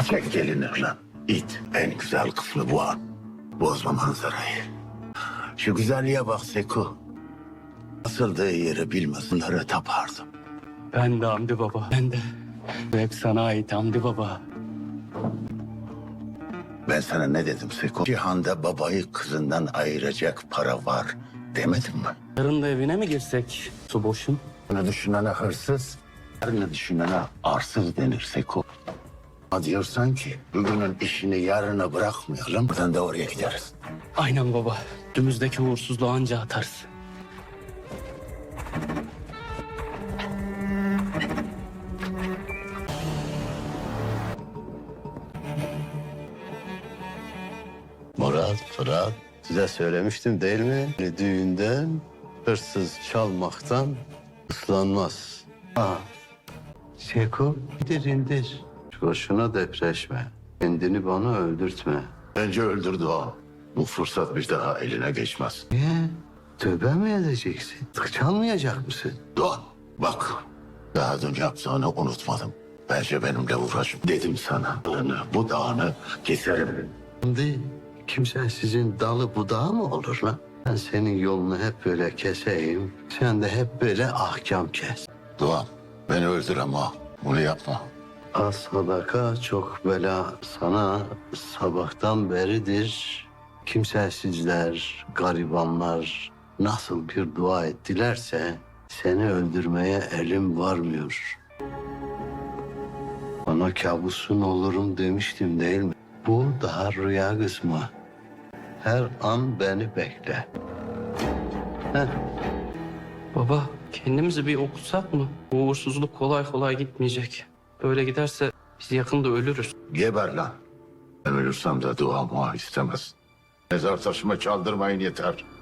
Çek gelini lan. İt. En güzel kısmı bu an. Bozma manzarayı. Şu güzelliğe bak Seko. Asıldığı yeri bilmesinlere tapardım. Ben de Hamdi Baba. Ben de. Bu hep sana ait Hamdi Baba. Ben sana ne dedim Seko? Cihanda babayı kızından ayıracak para var demedim mi? Yarın da evine mi girsek? Su boşun. Bunu düşünene hırsız, yarını düşünene arsız denir Seko. Ama diyorsan ki bugünün işini yarına bırakmayalım, buradan da oraya gideriz. Aynen baba. Önümüzdeki uğursuzluğu anca atarız. Murat, Fırat, size söylemiştim değil mi? Düğünden hırsız çalmaktan ıslanmaz. Ha. Şeko, indir. Boşuna depreşme. Kendini bana öldürtme. Bence öldürdü o. Bu fırsat bir daha eline geçmez. Niye? Tövbe mi edeceksin? Çalmayacak mısın? Doğan, bak. Daha dün yaptığını unutmadım. Bence benimle uğraşma. Dedim sana. Bu dağını keserim. Şimdi kimse sizin dalı budağı mı olur lan? Ben senin yolunu hep böyle keseyim. Sen de hep böyle ahkam kes. Doğan, beni öldür ama bunu yapma. Az sadaka çok bela sana sabahtan beridir. Kimsesizler, garibanlar nasıl bir dua ettilerse seni öldürmeye elim varmıyor. Bana kabusun olurum demiştim değil mi? Bu daha rüya kısmı. Her an beni bekle. Heh. Baba kendimizi bir okutsak mı? Bu uğursuzluk kolay kolay gitmeyecek. Böyle giderse biz yakında ölürüz. Geber lan. Ben ölürsem de dua mua istemez. Mezar taşıma çaldırmayın yeter.